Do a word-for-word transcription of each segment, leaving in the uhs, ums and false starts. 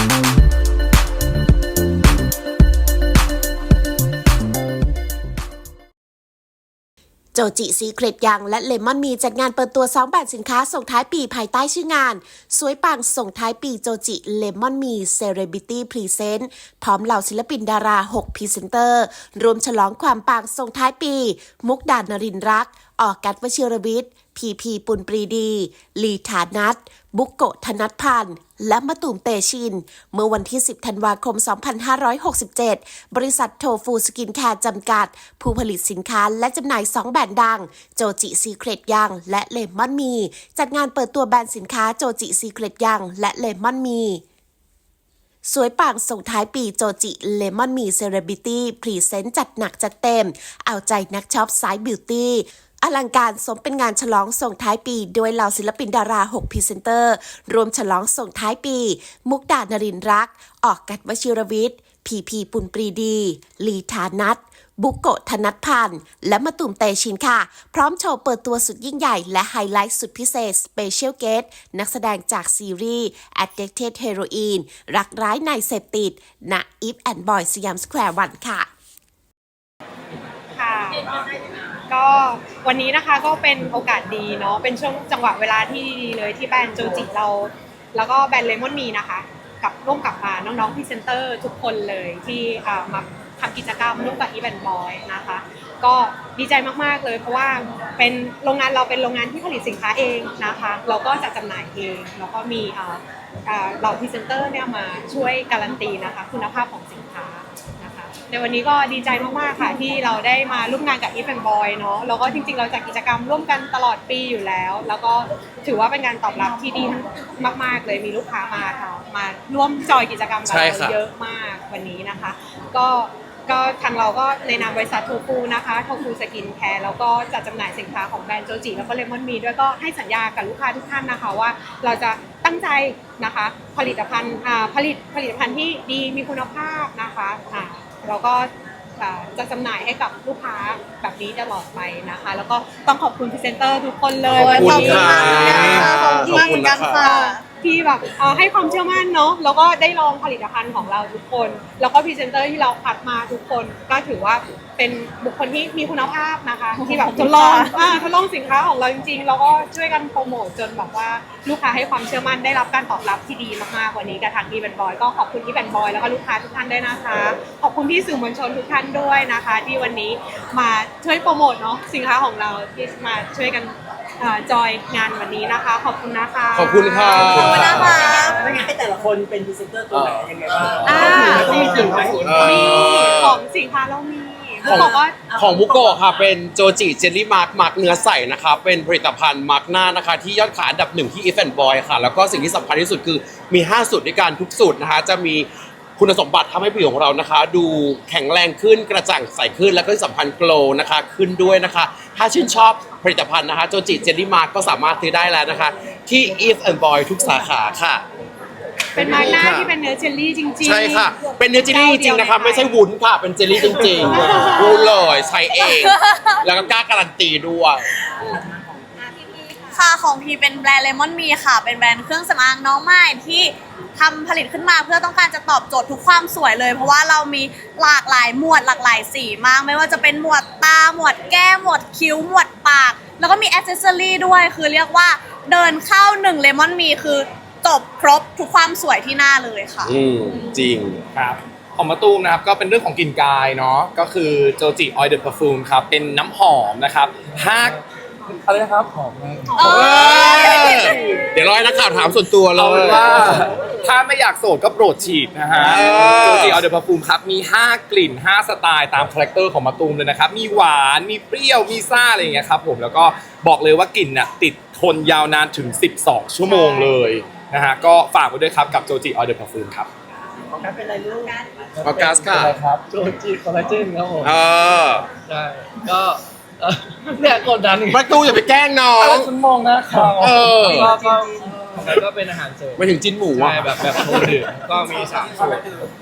โจจิซีเครตยังและเลมอนมีจัดงานเปิดตัวสองแบรนด์สินค้าส่งท้ายปีภายใต้ชื่องานสวยปังส่งท้ายปีโจจิเลมอนมีเซเลบริตี้พรีเซนต์พร้อมเหล่าศิลปินดาราหกพรีเซนเตอร์รวมฉลองความปังส่งท้ายปีมุกดานรินทร์รักออกกัดวชิรวิทย์พีพีปุณปรีดีลีฐานัทบุกโกะธนัทพันธ์และมะตูมเตชินเมื่อวันที่สิบธันวาคมสองพันห้าร้อยหกสิบเจ็ดบริษัทโทฟูสกินแคร์จำกัดผู้ผลิตสินค้าและจำหน่ายสองแบรนด์ดังโจจิซีเครตยังและเลมอนมีจัดงานเปิดตัวแบรนด์สินค้าโจจิซีเครตยังและเลมอนมีสวยปังส่งท้ายปีโจจิเลมอนมีเซเลบริตี้พรีเซนต์จัดหนักจัดเต็มเอาใจนักช็อปสายบิวตี้อลังการสมเป็นงานฉลองส่งท้ายปีโดยเหล่าศิลปินดาราหกพรีเซนเตอร์รวมฉลองส่งท้ายปีมุกดานรินทร์รักออกกัดวชิรวิทย์พีพีปุณปรีดีลีฐานัทบุกโกะธนัทพันธ์และมะตูมเตชินค่ะพร้อมโชว์เปิดตัวสุดยิ่งใหญ่และไฮไลท์สุดพิเศษ Special Guest นักแสดงจากซีรีส์ Addicted Heroin รักร้ายในเสพติดณ Eve and Boy สยามสแควร์วันค่ะค่ะก็วันนี้นะคะก็เป็นโอกาสดีเนาะเป็นช่วงจังหวะเวลาที่ดีเลยที่แบรนด์โจจิเราแล้วก็แบรนด์เลมอนมีนะคะกับร่วมกับมาน้องๆพรีเซนเตอร์ทุกคนเลยที่มาทำกิจกรรมร่วมกับอีเวนต์บอยนะคะก็ดีใจมากๆเลยเพราะว่าเป็นโรงงานเราเป็นโรงงานที่ผลิตสินค้าเองนะคะเราก็จะจำหน่ายเองแล้วก็มีเราพรีเซนเตอร์เนี่ยมาช่วยการันตีนะคะคุณภาพของสินค้าในวันนี้ก็ดีใจมากๆค่ะที่เราได้มาร่วมงานกับ Eve and Boy เนาะแล้วก็จริงๆเราจัดกิจกรรมร่วมกันตลอดปีอยู่แล้วแล้วก็ถือว่าเป็นการตอบรับที่ดีมากๆเลยมีลูกค้ามาค่ะมาร่วมจอยกิจกรรมกับเราเยอะมากวันนี้นะคะก็ก็ทางเราก็ในนามบริษัทโทฟูนะคะโทฟูสกินแคร์แล้วก็จัดจำหน่ายสินค้าของแบรนด์โจจิแล้วก็เลมอนมีด้วยก็ให้สัญญากับลูกค้าทุกท่านนะคะว่าเราจะตั้งใจนะคะผลิตภัณฑ์ผลิตผลิตภัณฑ์ที่ดีมีคุณภาพนะคะเราก็จะจำหน่ายให้กับลูกค้าแบบนี้ตลอดไปนะคะแล้วก็ต้องขอบคุณพรีเซนเตอร์ทุกคนเลยขอบคุณค่ะขอบคุณมากเหมือนกันค่ะที่แบบให้ความเชื่อมั่นเนาะแล้วก็ได้ลองผลิตภัณฑ์ของเราทุกคนแล้วก็พรีเซนเตอร์ที่เราคัดมาทุกคนก็ถือว่าเป็นบุคคลที่มีคุณภาพนะคะที่แบบทดลองทดลองสินค้าของเราจริงๆแล้วก็ช่วยกันโปรโมทจนแบบว่าลูกค้าให้ความเชื่อมั่นได้รับการตอบรับที่ดีมากๆวันนี้กับทางอีเวนต์บอยก็ขอบคุณอีเวนต์บอยแล้วก็ลูกค้าทุกท่านด้วยนะคะขอบคุณที่สื่อมวลชนทุกท่านด้วยนะคะที่วันนี้มาช่วยโปรโมทเนาะสินค้าของเราที่มาช่วยกันจอยงานวันนี้นะคะขอบคุณนะคะขอบคุณค่ะขอบคุณนะคะให้แต่ละคนเป็นพรีเซนเตอร์ตัวไหนยังไงบ้างมีของสินค้าเรามีของของบุโกะค่ะเป็นโจจิเจลลี่มาร์กมาร์กเนื้อใสนะคะเป็นผลิตภัณฑ์มาร์กหน้านะคะที่ยอดขายอันดับหนึ่งที่ Eve and Boy ค่ะแล้วก็สิ่งที่สำคัญที่สุดคือมีห้าสูตรด้วยกันทุกสูตรนะคะจะมีคุณสมบัติทำให้ผิวของเรานะคะดูแข็งแรงขึ้นกระจ่างใสขึ้นแล้วก็ที่สำคัญโกลว์นะคะขึ้นด้วยนะคะถ้าชื่นชอบผลิตภัณฑ์นะคะโจจิเจลลี่มาร์กก็สามารถซื้อได้แล้วนะคะที่ Eve and Boy ทุกสาขาค่ะเป็นมาร์กหน้าที่เป็นเนื้อเจลลี่จริงๆใช่ค่ะเป็นเนื้อเจลลี่จริงๆนะคะไม่ใช่วุ้นค่ะเป็นเจลลี่จริงๆพูดเลยใช้เองแล้วก็กล้าการันตีด้วยค่ะของพีเป็นแบรนด์เลมอนมีค่ะเป็นแบรนด์เครื่องสำอางน้องใหม่ที่ทำผลิตขึ้นมาเพื่อต้องการจะตอบโจทย์ทุกความสวยเลยเพราะว่าเรามีหลากหลายหมวดหลากหลายสีมากไม่ว่าจะเป็นหมวดตาหมวดแก้มหมวดคิ้วหมวดปากแล้วก็มีแอคเซสซอรี่ด้วยคือเรียกว่าเดินเข้าหนึ่งเลมอนมีคือจบครบทุกความสวยที่หน้าเลยค่ะอืมจริงครับของมะตูมนะครับก็เป็นเรื่องของกลิ่นกายเนาะก็คือโจจิออยล์เดอะเพอร์ฟูมครับเป็นน้ำหอมนะครับห้าอะไรนะครับหอมมากเดี๋ยวรอให้นักข่าวถามส่วนตัวเลยว่าถ้าไม่อยากโสดก็โปรดฉีดนะฮะโจจิออยล์เดอะเพอร์ฟูมครับมีห้ากลิ่นห้าสไตล์ตามคาแรคเตอร์ของมะตูมเลยนะครับมีหวานมีเปรี้ยวมีซ่าอะไรอย่างเงี้ยครับผมแล้วก็บอกเลยว่ากลิ่นน่ะติดทนยาวนานถึงสิบสองชั่วโมงเลยนะฮะก็ฝากไว้ด้วยครับกับโจจิออยล์เดอะเพอร์ฟูมครับของการเป็นอะไรลูกออกัสค่ะโจจิคอลลาเจนครับผมเออใช่ก็เนี่ยกดดันประตูอย่าไปแกล้งน้องคุณมองนะเออก็ก็เป็นอาหารเสริมไม่ถึงจิ้นหมูอ่ะแบบแบบโทรดื่มก็มีสามสูตร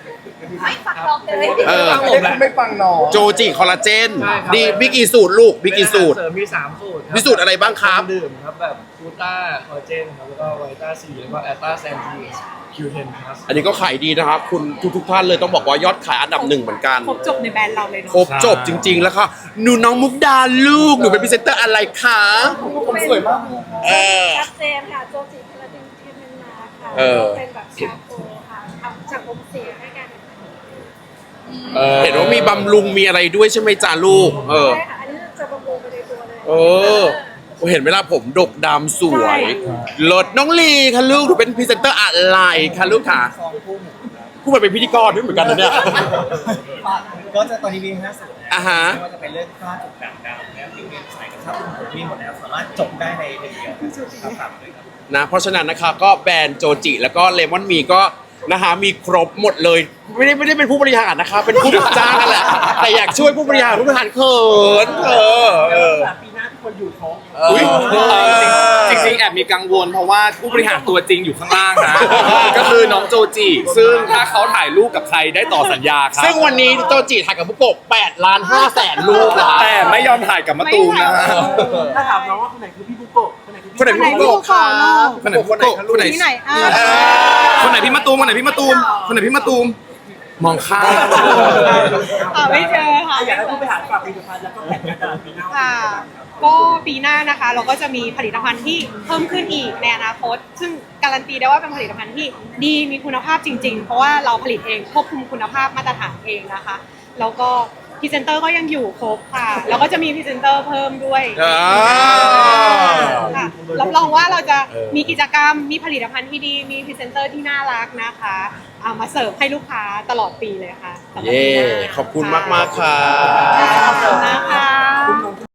ไม่ฝักลองเลยเออไม่ฟังน้องโจจิคอลลาเจนใช่ครับดีมีกี่สูตรลูกมีกี่สูตรเสริมมีสามสูตรคบมีสูตรอะไรบ้างครับดื่มครับแบบฟูต้าคอลลาเจนครับแล้วก็ไวต้าซีแล้วก็แอตตาแซนทีคิวเทนพลัสอันนี้ก็ขายดีนะครับ คุณทุกทุกๆท่านเลยต้องบอกว่ายอดขายอันดับหนึ่งเหมือนกันครบจบในแบรนด์เราเลยเนาะครบจบจริง ๆ แล้วค่ะหนูน้องมุกดาลูกหนูเป็นพรีเซนเตอร์อะไรคะผมสวยมากเลยเออชัดเจนค่ะโจจิพลาดินเทียมเมนมาค่ะเออเป็นแบบชาโคค่ะทำจากอมเสียให้กันเห็นว่ามีบำรุงมีอะไรด้วยใช่ไหมจ้าลูก เออใช่ค่ะอันนี้จะบำรุงไปในตัวเลยเออเห็นเวลาผมดกดำสวยลดน้องลีค่ะลูกหนูเป็นพรีเซนเตอร์อะไรคะลูกค่ะพูดเหมือนเป็นพิธีกรด้วยเหมือนกันนะเนี่ยก็จะตอนนี้มีห้าสูตรนะอ่าฮะไม่ว่าจะเป็นเรื่องฝ้าจุดด่างดำแล้วผิวเรียนใสกับชาติผมมีหมดแล้วสามารถจบได้ในหนึ่งเดียวครับฝากเลยครับนะเพราะฉะนั้นนะครับก็แบรนด์โจจิแล้วก็เลมอนมีก็นะฮะมีครบหมดเลย ไม่ได้ไม่ได้เป็นผู้บริหารนะคะเป็นผู้จ้างกันแหละแต่อยากช่วยผู้บริหารผู้บริหารเขินเออเออปีหน้าทุกคนอยู่ครบอุ๊ยจริงๆจริงๆแอบมีกังวลเพราะว่าผู้บริหารตัวจริงอยู่ข้างล่างนะ ก็คือน้องโจจิซึ่งถ้าเขาถ่ายรูปกับใครได้ต่อสัญญาครับซึ่งวันนี้โจจิถ่ายกับบุโกะแปดล้านห้าแสนรูปนะแต่ไม่ยอมถ่ายกับมะตูมนะฮะถ้าถามน้องว่าคนไหนคือพี่บุโกะคนไหนคือคนไหนพี่บุโกะครับคนไหนบุโกะคนไหนที่ไหนอ่ะเออคนไหนพี่มะตูมคนไหนพี่มะตูมคนไหนพี่มะตูมมองข้ามอ่าไม่เจอค่ะอยากให้ผู้บริหารฝากผลิตภัณฑ์แล้วก็แผนการตลาดปีหน้าค่ะ ก็ปีหน้านะคะ เราก็จะมีผลิตภัณฑ์ที่เพิ่มขึ้นอีกในอนาคต ซึ่งการันตีได้ว่าเป็นผลิตภัณฑ์ที่ดีมีคุณภาพจริง ๆ เพราะว่าเราผลิตเองควบคุมคุณภาพมาตรฐานเองนะคะ แล้วก็พรีเซนเตอร์ก็ยังอยู่ครบค่ะ แล้วก็จะมีพรีเซนเตอร์เพิ่มด้วยอ่าค่ะรับรองว่าเราจะมีกิจกรรม มีผลิตภัณฑ์ที่ดี มีพรีเซนเตอร์ที่น่ารักนะคะเอามาเสิร์ฟให้ลูกค้าตลอดปีเลยค่ะสำหรับเย้ปีหน้าขอบคุณมากๆค่ะขอบคุณนะคะ